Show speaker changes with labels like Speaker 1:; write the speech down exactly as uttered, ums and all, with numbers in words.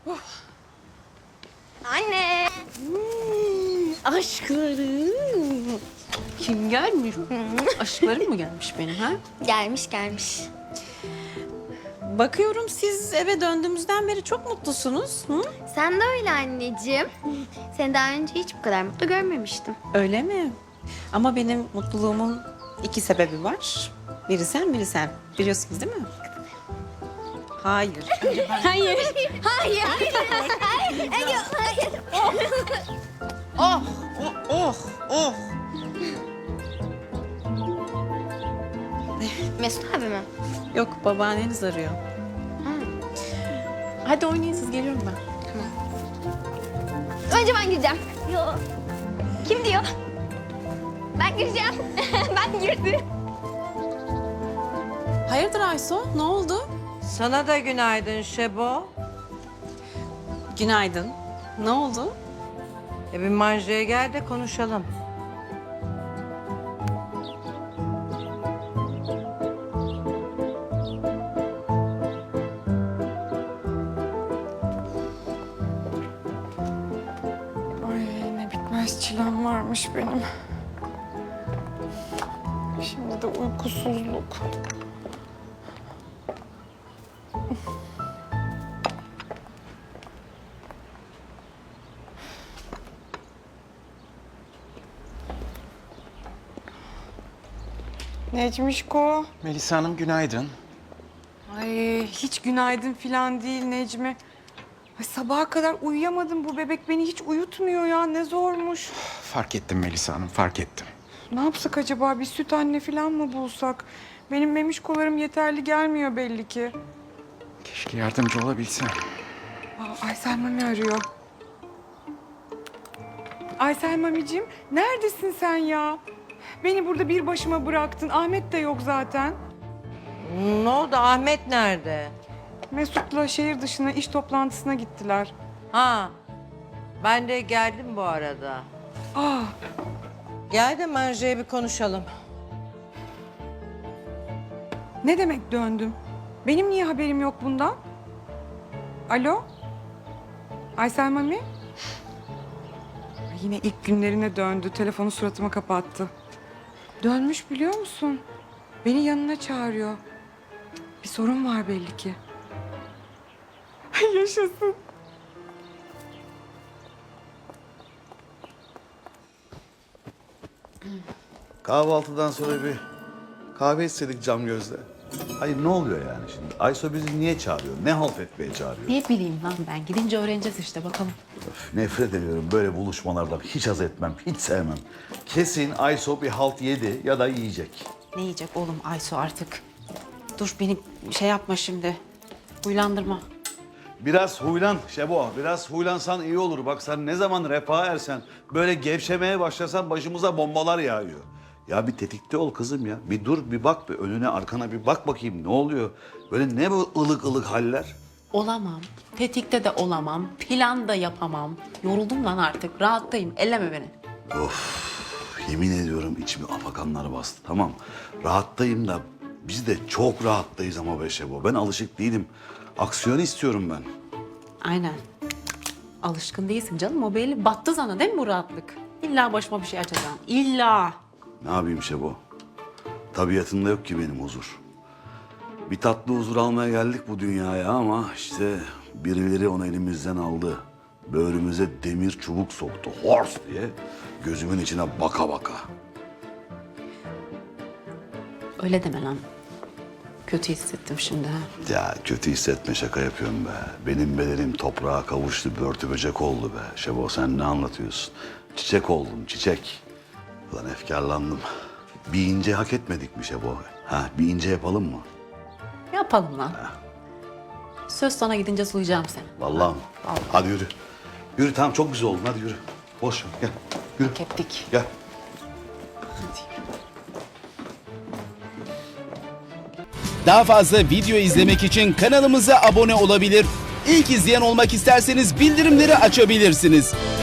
Speaker 1: Anne.
Speaker 2: Hmm, aşklarım. Kim gelmiş? Aşklarım mı gelmiş benim ha?
Speaker 1: Gelmiş gelmiş.
Speaker 2: Bakıyorum siz eve döndüğümüzden beri çok mutlusunuz. Hı?
Speaker 1: Sen de öyle anneciğim. Seni daha önce hiç bu kadar mutlu görmemiştim.
Speaker 2: Öyle mi? Ama benim mutluluğumun iki sebebi var. Biri sen, biri sen. Biliyorsunuz değil mi? Hayır.
Speaker 1: Hayır. Hayır. Hayır. Hayır. Hayır.
Speaker 2: Oh, oh, oh, oh.
Speaker 1: Mesut abi mi?
Speaker 2: Yok, babaanneniz arıyor.
Speaker 1: Ha.
Speaker 2: Hadi oynayın siz, geliyorum ben.
Speaker 1: Önce ben gireceğim. Yo. Kim diyor? Ben gireceğim. Ben girdim.
Speaker 2: Hayırdır Ayso, ne oldu?
Speaker 3: Sana da günaydın Şebo.
Speaker 2: Günaydın. Ne oldu?
Speaker 3: E bir manjaya gel de konuşalım.
Speaker 4: Ay ne bitmez çilem varmış benim. Şimdi de uykusuzluk. Necmişko.
Speaker 5: Melisa Hanım günaydın.
Speaker 4: Ay hiç günaydın falan değil Necmi. Ay, sabaha kadar uyuyamadım. Bu bebek beni hiç uyutmuyor ya. Ne zormuş.
Speaker 5: Fark ettim Melisa Hanım, fark ettim.
Speaker 4: Ne yapsak acaba? Bir süt anne falan mı bulsak? Benim memişkolarım yeterli gelmiyor belli ki.
Speaker 5: Keşke yardımcı olabilsem.
Speaker 4: Aa, Aysel Mami arıyor. Aysel Mamicim, neredesin sen ya? Beni burada bir başıma bıraktın. Ahmet de yok zaten.
Speaker 3: Ne oldu? Ahmet nerede?
Speaker 4: Mesut'la şehir dışına iş toplantısına gittiler.
Speaker 3: Ha. Ben de geldim bu arada.
Speaker 4: Aa,
Speaker 3: Gel de manjaya bir konuşalım.
Speaker 4: ne demek döndüm? Benim niye haberim yok bundan? Alo? Aysel Mami? Ay, yine ilk günlerine döndü. Telefonu suratıma kapattı. Dönmüş biliyor musun? Beni yanına çağırıyor. Bir sorun var belli ki. Yaşasın.
Speaker 6: Kahvaltıdan sonra bir kahve istedik cam gözle. Hayır ne oluyor yani şimdi? Ayso bizi niye çağırıyor? Ne halt etmeye çağırıyor?
Speaker 2: Ne bileyim lan ben. Gidince öğreneceğiz işte, bakalım.
Speaker 6: Öf, nefret ediyorum böyle buluşmalardan. Hiç haz etmem, hiç sevmem. Kesin Ayso bir halt yedi ya da yiyecek.
Speaker 2: Ne yiyecek oğlum Ayso artık? Dur beni şey yapma şimdi. Huylandırma.
Speaker 6: Biraz huylan Şebo, biraz huylansan iyi olur. Bak sen ne zaman refaha ersen, böyle gevşemeye başlasan başımıza bombalar yağıyor. Ya bir tetikte ol kızım ya. Bir dur, bir bak, bir önüne arkana bir bak bakayım ne oluyor? Böyle ne bu ılık ılık haller?
Speaker 2: Olamam. Tetikte de olamam. Plan da yapamam. Yoruldum lan artık. Rahattayım. Elleme beni.
Speaker 6: Yemin ediyorum içimi afakanlar bastı. Tamam rahattayım da biz de çok rahattayız ama be Şebo. Ben alışık değilim. Aksiyon istiyorum ben.
Speaker 2: Aynen. Alışkın değilsin canım. O belli. Battı sana değil mi bu rahatlık? İlla başıma bir şey açacaksın. İlla.
Speaker 6: Ne yapayım Şebo? Tabiatımda yok ki benim huzur. Bir tatlı huzur almaya geldik bu dünyaya ama işte birileri onu elimizden aldı. Böğrümüze demir çubuk soktu. Hors diye gözümün içine baka baka.
Speaker 2: Öyle deme lan. Kötü hissettim şimdi ha.
Speaker 6: Ya kötü hissetme şaka yapıyorum be. Benim bedenim toprağa kavuştu, börtü böcek oldu be. Şebo sen ne anlatıyorsun? Çiçek oldum, çiçek. Ulan efkarlandım. Bir ince hak etmedik mi Şebo? Ha, bir ince yapalım mı?
Speaker 2: Yapalım lan. Söz sana gidince sulayacağım seni.
Speaker 6: Vallahi mi?
Speaker 2: Vallahi.
Speaker 6: Hadi yürü. Yürü tamam çok güzel oldun hadi yürü. Boş ver gel. Yürü.
Speaker 2: Hak ettik.
Speaker 6: Gel.
Speaker 7: Daha fazla video izlemek için kanalımıza abone olabilir. İlk izleyen olmak isterseniz bildirimleri açabilirsiniz.